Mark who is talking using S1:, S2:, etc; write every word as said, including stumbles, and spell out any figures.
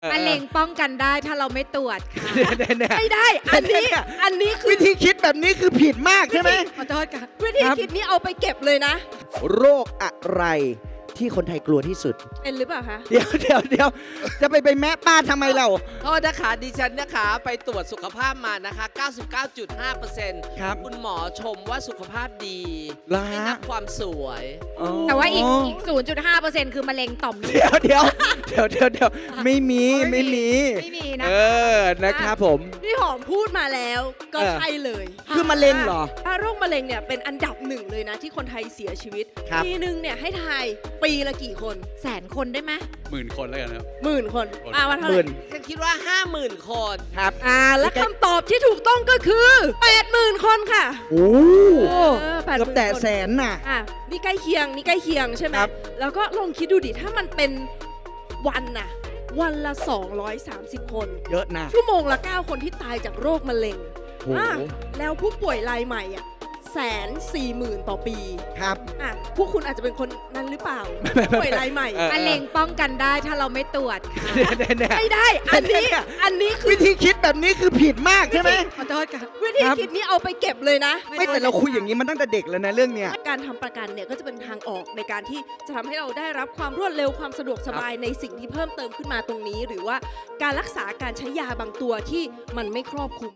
S1: มะเร็งป้องกันได้ถ้าเราไม่ตรวจค่ะ
S2: ไม่ได้ อันนี้ อันนี้คือ
S3: วิธีคิดแบบนี้คือผิดมากใช่ไหม
S1: ขอโทษค่ะ
S2: วิธี
S3: ครับ
S2: คิดนี้เอาไปเก็บเลยนะ
S3: โรคอะไรที่คนไทยกลัวที่สุด
S2: เป็นหรือเปล่าคะ
S3: เดี๋ยวเดี๋ยวเดี๋ยวจะไปไปแม่ป้าทำไมเรา
S4: โทษนะคะดิฉันนะคะไปตรวจสุขภาพมานะคะ เก้าสิบเก้าจุดห้าเปอร์เซ็นต์
S3: ครับ
S4: คุณหมอชมว่าสุขภาพดี
S3: เหรอฮะ
S4: ให้นับความสวย
S3: อ๋อ
S1: แต่ว่าอีกอีก ศูนย์จุดห้าเปอร์เซ็นต์ คือมะเร็งต่อมลูก
S3: เดี๋ยวเดี๋ยวเดี๋ยวเดี๋ยวเดี๋ยวไม่มีไม่มี
S1: ไม่มีนะ
S3: เออนะครับผม
S2: พี่หอมพูดมาแล้วก็
S3: เออ
S2: ใช่เลย
S3: คือมะเร็งเหรอ
S2: ถ้าโรคมะเร็งเนี่ยเป็นอันดับหนึ่งเลยนะที่คนไทยเสียชีวิต
S3: ครับ
S2: ปีหนึ่งเนี่ยให้ทายปีละกี่คน
S1: แสนคนได้ไหม
S5: หมื่นคนแล้วกันครับ
S2: หมื่นคน
S5: คน
S2: อ่าว่าเท่า
S3: ห
S2: ไห
S3: มื่
S2: ร่
S3: น
S4: ฉันคิดว่า ห้าหมื่น คน
S3: ครับ
S2: อ่าและคำตอบที่ถูกต้องก็คือแปดหมื่นคนค่ะ
S3: โอ้
S2: เออแปดห
S3: เกือบ
S2: มื่น
S3: แต่
S2: คน
S3: แสนน่ะ
S2: อ่ะนี่ใกล้เคียงนี่ใกล้เคียงใช่ไหม
S3: ครับ
S2: แล้วก็ลองคิดดูดิถ้ามันเป็นวันน่ะวันละ สองร้อยสามสิบ คน
S3: เยอะนะ
S2: ชั่วโมงละ เก้า คนที่ตายจากโรคมะเร็ง
S3: โอ้
S2: อ่ะแล้วผู้ป่วยรายใหม่อ่ะแสนสี่หมื่นต่อปี
S3: ครับ
S2: อ่ะพวกคุณอาจจะเป็นคนนั้นหรือเปล่า ผู้ป่วยรายใหม่
S3: เออ
S1: มะเร็งป้องกันได้ถ้าเราไม่ตรวจค่ะ
S2: ไม่ได้ อันนี้ อันนี้คือ
S3: วิธีคิดแบบนี้คือผิดมากใช่ไหม
S1: ขอโทษค่ะ
S2: วิธี
S3: ครับ
S2: คิดนี้เอาไปเก็บเลยนะ
S3: ไม่แต่เราคุยอย่างนี้มันตั้งแต่เด็กแล้วนะเรื่องเนี้ย
S2: การทำประกันเนี่ยก็จะเป็นทางออกในการที่จะทำให้เราได้รับความรวดเร็วความสะดวกสบายในสิ่งที่เพิ่มเติมขึ้นมาตรงนี้ หรือว่าการรักษาการใช้ยาบางตัวที่มันไม่ครอบคลุม